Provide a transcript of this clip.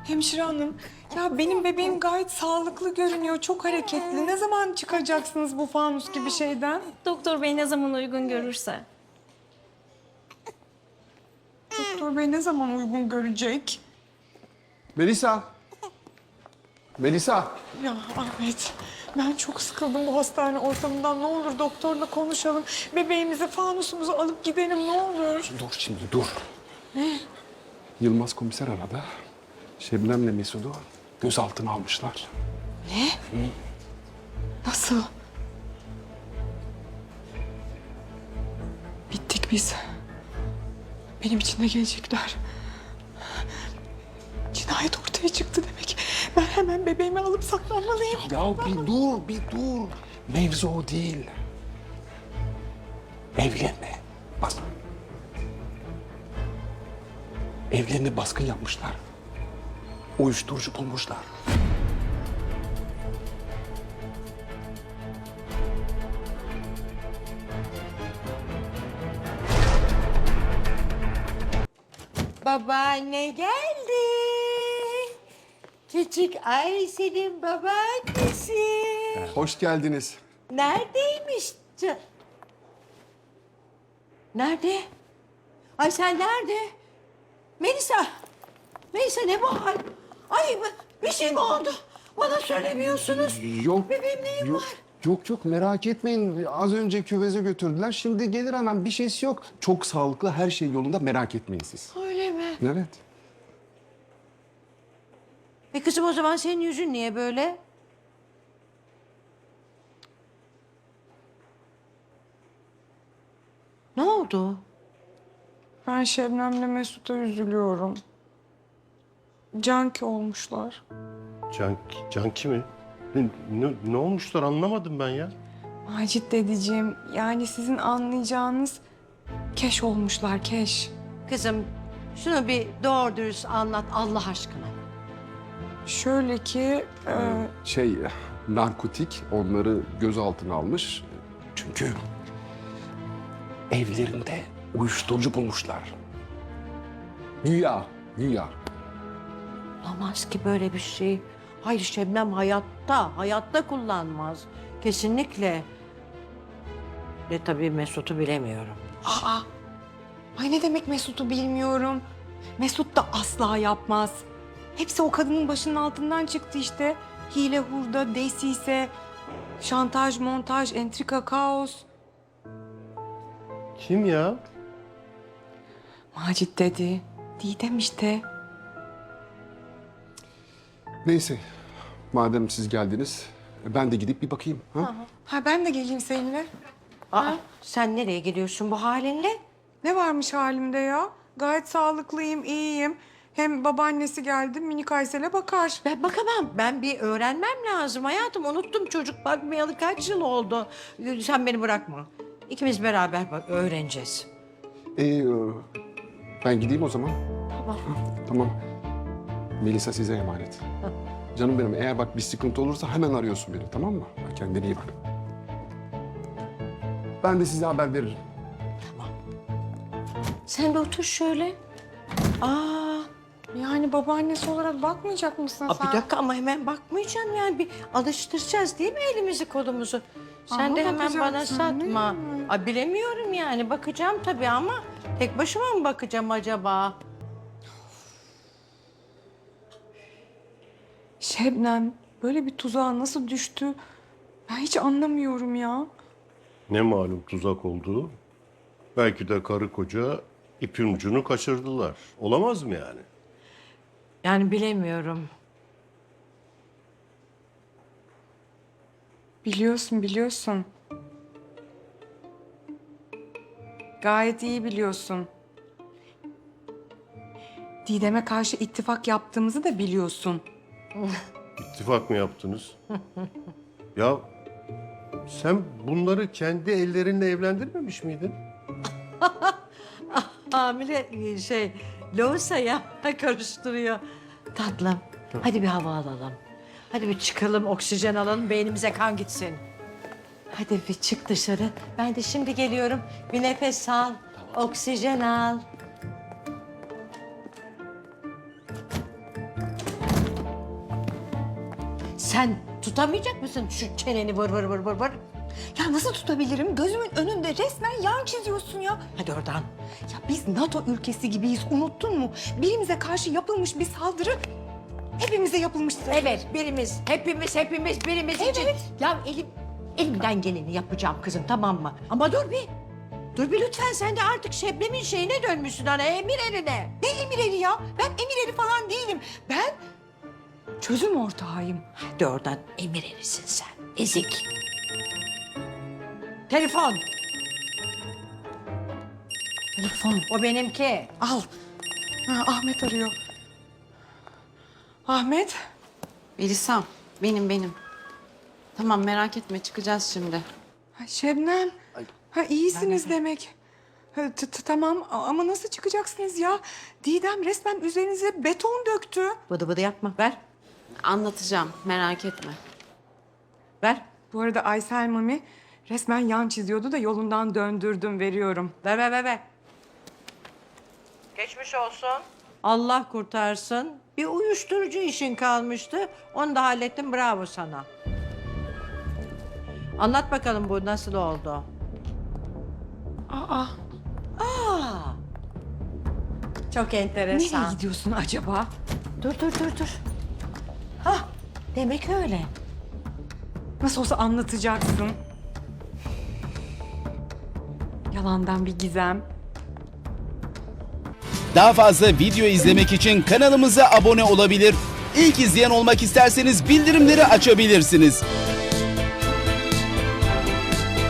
Hemşire hanım, ya benim bebeğim gayet sağlıklı görünüyor, çok hareketli. Ne zaman çıkacaksınız bu fanus gibi şeyden? Doktor bey ne zaman uygun görürse. Doktor bey ne zaman uygun görecek? Melisa. Melisa. Ya Ahmet, ben çok sıkıldım bu hastane ortamından. Ne olur doktorla konuşalım. Bebeğimizi, fanusumuzu alıp gidelim ne olur. Dur şimdi dur. Ne? Yılmaz komiser aradı. Şebnem'le Mesut'u gözaltına almışlar. Nasıl? Bittik biz. Benim için de gelecekler. Cinayet ortaya çıktı demek. Ben hemen bebeğimi alıp saklanmalıyım. Ya bir dur. Mevzu o değil. Evlerine bas. Evlerine baskın yapmışlar. Uyuşturucu bulmuşlar. Babaanne geldi. Küçük Ayşe'nin babaannesi. Hoş geldiniz. Neredeymiş? Nerede? Ay sen nerede? Melisa. Melisa ne bu hal? Ay bir şey mi oldu? Bana söylemiyorsunuz. Yok. Bebeğim neyim yok, var? Yok merak etmeyin. Az önce küveze götürdüler. Şimdi gelir hemen bir şeysi yok. Çok sağlıklı her şey yolunda merak etmeyin siz. Öyle mi? Evet. Kızım o zaman senin yüzün niye böyle? Ne oldu? Ben Şebnem'le Mesut'a üzülüyorum. Canki olmuşlar. Canki mi? Ne olmuşlar anlamadım ben ya. Macit dedeciğim, yani sizin anlayacağınız keş olmuşlar, keş. Kızım şunu bir doğru dürüst anlat Allah aşkına. Şöyle ki, Narkotik onları gözaltına almış. Çünkü evlerinde uyuşturucu bulmuşlar. Güya. Olamaz ki böyle bir şey. Hayır Şebnem hayatta kullanmaz. Kesinlikle. Ve tabii Mesut'u bilemiyorum. ay ne demek Mesut'u bilmiyorum. Mesut da asla yapmaz. Hepsi o kadının başının altından çıktı işte. Hile, hurda, desise, şantaj, montaj, entrika, kaos. Kim ya? Macit dedi. Didem işte. Neyse. Madem siz geldiniz, ben de gidip bir bakayım. Ha? Ha ben de geleyim seninle. Sen nereye gidiyorsun bu halinle? Ne varmış halimde ya? Gayet sağlıklıyım, iyiyim. Hem babaannesi geldi, minik Aysel'e bakar. Ben bakamam. Ben bir öğrenmem lazım hayatım. Unuttum çocuk bakmayalı kaç yıl oldu. Sen beni bırakma. İkimiz beraber bak öğreneceğiz. Ben gideyim o zaman. Tamam. Tamam. Melisa size emanet. Canım benim, eğer bak bir sıkıntı olursa hemen arıyorsun beni, tamam mı? Kendine iyi bak. Ben de size haber veririm. Sen de otur şöyle. Yani babaannesi olarak bakmayacak mısın sen? Bir dakika ama hemen bakmayacağım yani. Bir alıştıracağız değil mi elimizi kolumuzu? Sen Ama de hemen bana bakacaksın, değil satma. mi? Bilemiyorum yani. Bakacağım tabii ama tek başıma mı bakacağım acaba? Şebnem böyle bir tuzağa nasıl düştü? Ben hiç anlamıyorum ya. Ne malum tuzak olduğu. Belki de karı koca ipin ucunu kaçırdılar. Olamaz mı yani? Yani bilemiyorum. Biliyorsun. Gayet iyi biliyorsun. Didem'e karşı ittifak yaptığımızı da biliyorsun. İttifak mı yaptınız? Ya sen bunları kendi ellerinle evlendirmemiş miydin? Hamile Loğusa ya karıştırıyor. Tatlım hadi bir hava alalım. Hadi bir çıkalım oksijen alalım beynimize kan gitsin. Hadi bir çık dışarı. Ben de şimdi geliyorum. Bir nefes al. Oksijen al. Sen tutamayacak mısın şu çeneni vır vır vır vır vır? Ya nasıl tutabilirim? Gözümün önünde resmen yan çiziyorsun ya. Hadi oradan. Ya biz NATO ülkesi gibiyiz, unuttun mu? Birimize karşı yapılmış bir saldırı hepimize yapılmıştır. Evet, birimiz, hepimiz birimiz için. Ya elimden geleni yapacağım kızım, tamam mı? Ama dur bir. Dur bir lütfen, sen de artık Şebnem'in şeyine dönmüşsün hani, emir eline. Ne emir eri ya? Ben emir eri falan değilim. Ben çözüm ortağıyım. Hadi oradan, emir erisin sen, ezik. Telefon. Telefon. O benimki. Al. Ha, Ahmet arıyor. Ahmet. Elisam, benim. Tamam merak etme çıkacağız şimdi. Ha, Şebnem. Ha, iyisiniz demek. Ha, tamam ama nasıl çıkacaksınız ya? Didem resmen üzerinize beton döktü. Bıdı bıdı yapma, ver. Anlatacağım merak etme. Ver, Bu arada Aysel Mami resmen yan çiziyordu da yolundan döndürdüm, veriyorum. ver. Geçmiş olsun. Allah kurtarsın. Bir uyuşturucu işin kalmıştı. Onu da hallettim. Bravo sana. Anlat bakalım bu nasıl oldu? Aa, Çok enteresan. nereye gidiyorsun acaba? Dur. Hah, demek öyle. Nasıl olsa anlatacaksın. Yalandan bir gizem. Daha fazla video izlemek için kanalımıza abone olabilir. İlk izleyen olmak isterseniz bildirimleri açabilirsiniz.